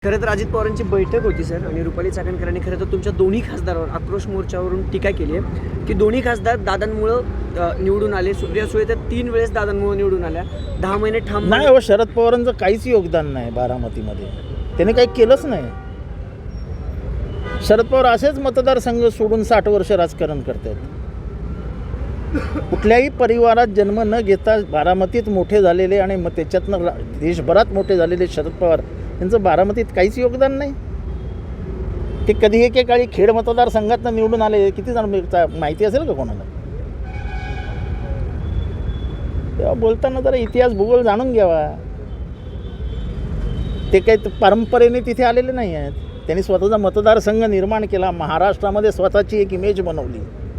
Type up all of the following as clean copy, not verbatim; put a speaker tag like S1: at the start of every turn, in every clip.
S1: खरं तर अजित पवारांची बैठक होती सर आणि रुपाली चाकणकरांनी खरं तर तुमच्या दोन्ही खासदारावर आक्रोश मोर्चावरून टीका केली आहे की दोन्ही खासदार दादांमुळं निवडून आले. सुप्रिया सुळे तर 3 वेळेस दादांमुळे निवडून आल्या. 10 महिने ठाम
S2: नाही हो, शरद पवारांचं काहीच योगदान नाही बारामतीमध्ये. त्यांनी काही केलंच नाही. शरद पवार असेच मतदारसंघ सोडून 60 वर्ष राजकारण करतात. कुठल्याही परिवारात जन्म न घेता बारामतीत मोठे झालेले आणि मग त्याच्यातनं देशभरात मोठे झालेले शरद पवार यांचं बारामतीत काहीच योगदान नाही. ते कधी एकेकाळी खेड मतदारसंघातनं निवडून आले. किती जण माहिती असेल का कोणाला? तेव्हा बोलताना जरा इतिहास भूगोल जाणून घ्यावा. ते काही परंपरेने तिथे आलेले नाही आहेत. त्यांनी स्वतःचा मतदारसंघ निर्माण केला. महाराष्ट्रामध्ये स्वतःची एक इमेज बनवली.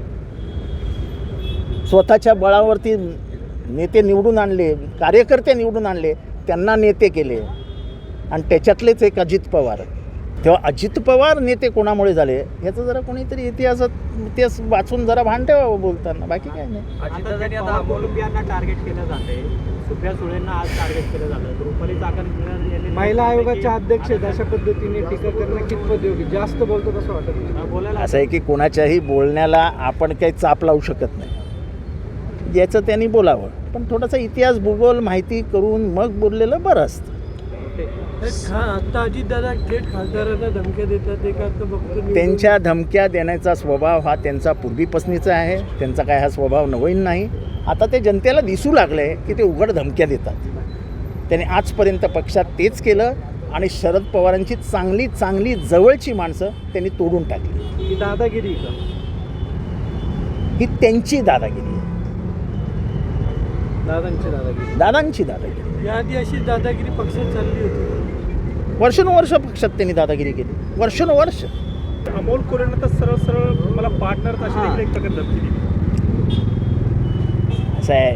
S2: स्वतःच्या बळावरती नेते निवडून आणले, कार्यकर्ते निवडून आणले, त्यांना नेते केले. आणि त्याच्यातलेच एक अजित पवार. तेव्हा अजित पवार नेते कोणामुळे झाले याचं जरा कोणीतरी इतिहास वाचून जरा भान ठेवावं बोलताना. बाकी काय नाही.
S3: अजितदादांनी आता अमोलबियांना टार्गेट केलं जाते. सुप्रिया सुळेंना आज टार्गेट केलं झालं. रुपाली चाकणकर
S4: महिला आयोगाच्या अध्यक्ष आहेत, अशा पद्धतीने टीका करणं कितपत योग्य? जास्त बोलतो कसं वाटत?
S3: बोलायला
S2: असं आहे की कोणाच्याही बोलण्याला आपण काही चाप लावू शकत नाही. ज्याचं त्यांनी बोलावं, पण थोडासा इतिहास भूगोल माहिती करून मग बोललेलं बरं असतं.
S4: आता अजितदादा थेट खासदारांना धमक्या देतात. एक आता बघतो
S2: त्यांच्या धमक्या देण्याचा स्वभाव हा त्यांचा पूर्वीपासूनचा आहे. त्यांचा काय हा स्वभाव नवीन नाही. आता ते जनतेला दिसू लागलं आहे की ते उघड धमक्या देतात. त्यांनी आजपर्यंत पक्षात तेच केलं आणि शरद पवारांची चांगली चांगली जवळची माणसं त्यांनी तोडून टाकली.
S4: ही दादागिरी का?
S2: ही त्यांची दादागिरी आहे. दादांची दादागिरी.
S4: याआधी अशी दादागिरी पक्षात चालली होती.
S2: वर्षानुवर्ष पक्षात त्यांनी दादागिरी केली. वर्षानुवर्ष.
S4: अमोल कोरेंना तर सरळ सरळ मला पार्टनर अशी देखील एक प्रकारे धमकी दिली.
S2: असं आहे,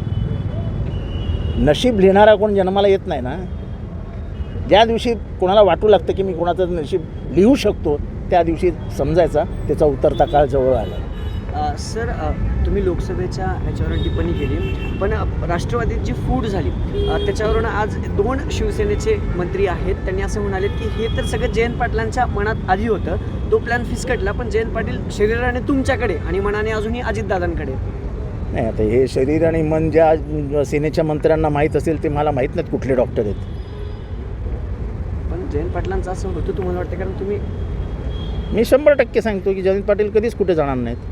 S2: नशीब लिहिणारा कोण जन्माला येत नाही ना. ज्या दिवशी कोणाला वाटू लागतं की मी कोणाचं नशीब लिहू शकतो त्या दिवशी समजायचा त्याचा उतरता काळ जवळ आला.
S1: सर तुम्ही लोकसभेच्या ह्याच्यावर टिप्पणी केली, पण राष्ट्रवादीची फूट झाली त्याच्यावरून आज 2 शिवसेनेचे मंत्री आहेत. त्यांनी असं म्हणाले की हे तर सगळं जयंत पाटलांच्या मनात आधी होतं. तो प्लॅन फिसकटला, पण जयंत पाटील शरीराने तुमच्याकडे आणि मनाने अजूनही अजितदादांकडे.
S2: नाही, आता हे शरीर आणि मन ज्या सेनेच्या मंत्र्यांना माहीत असेल ते मला माहीत नाहीत कुठले डॉक्टर आहेत.
S1: पण जयंत पाटलांचं असं होतं तुम्हाला वाटतं? कारण तुम्ही
S2: मी 100% सांगतो की जयंत पाटील कधीच कुठे जाणार नाहीत.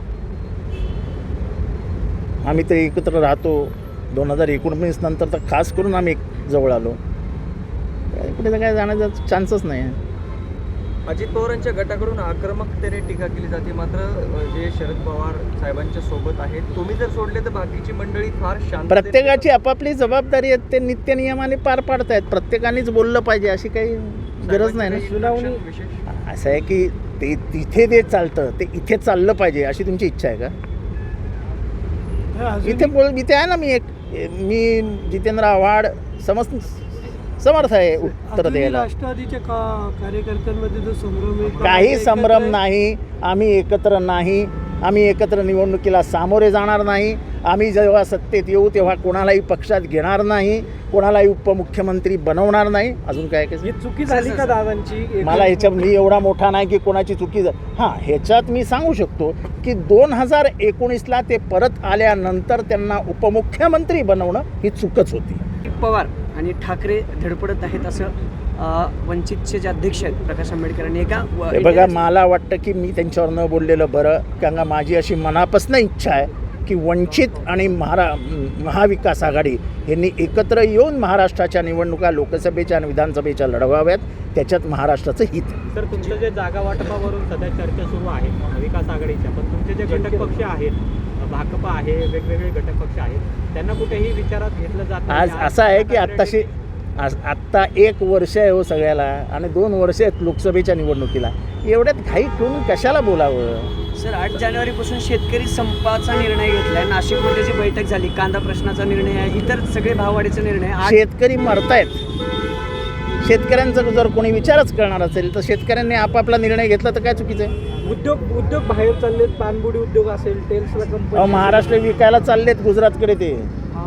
S2: आम्ही तर एकत्र राहतो. 2019 नंतर तर खास करून आम्ही जवळ आलो. कुठे काय जाण्याचा चान्सच नाही आहे.
S3: अजित पवारांच्या गटाकडून आक्रमकतेने टीका केली जाते. मात्र जे शरद पवार साहेबांच्या सोबत आहेत, तुम्ही जर सोडले तर बाकीची मंडळी फार शांत.
S2: प्रत्येकाची आपापली जबाबदारी आहे. ते नित्यनियमाने पार पाडतायत. प्रत्येकानेच बोललं पाहिजे अशी काही गरज नाही ना.
S4: सुनावणी
S2: असं आहे की ते तिथे ते चालतं ते इथे चाललं पाहिजे अशी तुमची इच्छा आहे का? इथे आहे ना. मी जितेंद्र आव्हाड समर्थ आहे उत्तर द्यायला.
S4: राष्ट्रवादीच्या कार्यकर्त्यांमध्ये जो संभ्रम आहे,
S2: काही संभ्रम नाही. आम्ही एकत्र नाही. आम्ही एकत्र निवडणुकीला सामोरे जाणार नाही. आम्ही जेव्हा सत्तेत येऊ तेव्हा कोणालाही पक्षात घेणार नाही. कोणालाही उपमुख्यमंत्री बनवणार नाही. अजून काय काय
S4: ही चुकी झाली का दादांची?
S2: मला ह्याच्यात मी एवढा मोठा नाही की कोणाची चुकी हां, ह्याच्यात मी सांगू शकतो की 2019ला ते परत आल्यानंतर त्यांना उपमुख्यमंत्री बनवणं ही चूकच होती.
S1: पवार आणि ठाकरे धडपडत आहेत असं वंचितचे जे अध्यक्ष आहेत प्रकाश आंबेडकरांनी एका
S2: बघा, मला वाटतं की मी त्यांच्यावर न बोललेलं बरं. कारण का माझी अशी मनापासून इच्छा आहे की वंचित आणि महाविकास आघाडी यांनी एकत्र येऊन महाराष्ट्राच्या निवडणुका लोकसभेच्या आणि विधानसभेच्या लढवाव्यात. त्याच्यात महाराष्ट्राचं हित.
S3: तर तुमचं जे जागा वाटपावरून सध्या चर्चा सुरू आहे महाविकास आघाडीच्या, पण तुमचे जे घटक पक्ष आहेत, भाकपा आहे, वेगवेगळे घटक पक्ष आहेत, त्यांना कुठेही विचारात घेतलं जातं?
S2: आज असं आहे की आत्ता 1 वर्ष आहे हो सगळ्याला आणि 2 वर्ष आहेत लोकसभेच्या निवडणुकीला. एवढ्यात घाई करून कशाला बोलावं?
S1: सर 8 जानेवारीपासून शेतकरी संपाचा निर्णय घेतलाय. नाशिकमध्ये जी बैठक झाली, कांदा प्रश्नाचा निर्णय आहे, इतर सगळे भाववाढीचा निर्णय.
S2: शेतकरी मरतायत. शेतकऱ्यांचा जर कोणी विचारच करणार असेल तर शेतकऱ्यांनी आपापला निर्णय घेतला तर काय चुकीचं आहे?
S4: उद्योग बाहेर चाललेत. पानबुडी उद्योग असेल, टेल्सला कंपनी
S2: महाराष्ट्र विकायला चाललेत गुजरातकडे. ते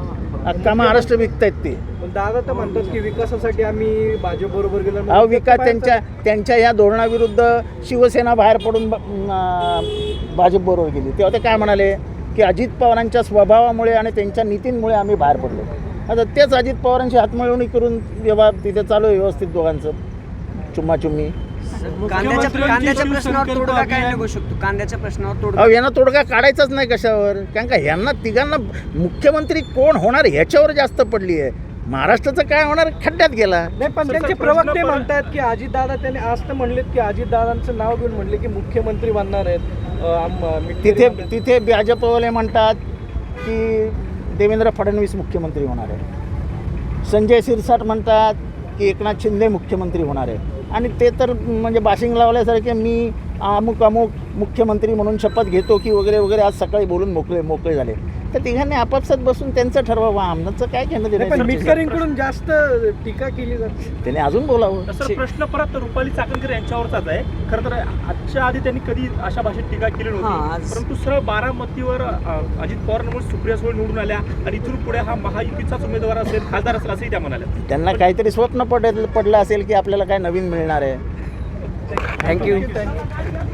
S2: अख्खा महाराष्ट्र विकतायत ते.
S4: पण दादा तर म्हणतात की विकासासाठी आम्ही भाजप बरोबर गेलो.
S2: अहो विकास त्यांच्या या धोरणाविरुद्ध शिवसेना बाहेर पडून भाजपबरोबर गेली. तेव्हा ते काय म्हणाले की अजित पवारांच्या स्वभावामुळे आणि त्यांच्या नीतींमुळे आम्ही बाहेर पडलो. आता तेच अजित पवारांची हातमिळवणी करून व्यवहार तिथे चालू आहे व्यवस्थित दोघांचं चुम्माचुम्मी.
S1: कांद्याच्या प्रश्नावर तोडगा काय निघू शकतो? कांद्याच्या प्रश्नावर तोडगा
S2: अहो यांना तोडगा काढायचाच नाही कशावर, कारण का ह्यांना तिघांना मुख्यमंत्री कोण होणार ह्याच्यावर जास्त पडली आहे. महाराष्ट्राचं काय होणार खड्ड्यात गेला.
S4: नाही, पण त्यांचे प्रवक्ते म्हणतात की अजितदादा त्यांनी आज तर म्हणलेत की अजितदादांचं नाव घेऊन म्हणले की मुख्यमंत्री बनणार आहेत.
S2: तिथे भाजपवाले म्हणतात की देवेंद्र फडणवीस मुख्यमंत्री होणार आहे. संजय शिरसाट म्हणतात की एकनाथ शिंदे मुख्यमंत्री होणार आहे. आणि ते तर म्हणजे बाशिंग लावल्यासारखे मी अमुक मुख्यमंत्री म्हणून शपथ घेतो की वगैरे वगैरे आज सकाळी बोलून मोकळे झाले. तर तिघांनी आपापसात बसून त्यांचं ठरवावं, आमचं काय घेणं
S4: पण
S2: देणं.
S4: मिटकरींकडून जास्त टीका केली जाते.
S2: त्याने अजून बोलावं.
S5: सर प्रश्न परत रुपाली चाकणकर यांच्यावरचाच आहे. खरं तर आजच्या आधी त्यांनी कधी अशा भाषेत टीका केली नव्हती, परंतु सरळ बारामतीवर अजित पवारांमुळे सुप्रिया सुळे निवडून आल्या आणि इथून पुढे हा महायुतीचाच उमेदवार असेल, खासदार असेल असंही त्या म्हणाल्या.
S2: त्यांना काहीतरी स्वप्न पडलं असेल की आपल्याला काय नवीन मिळणार आहे.
S1: थँक्यू.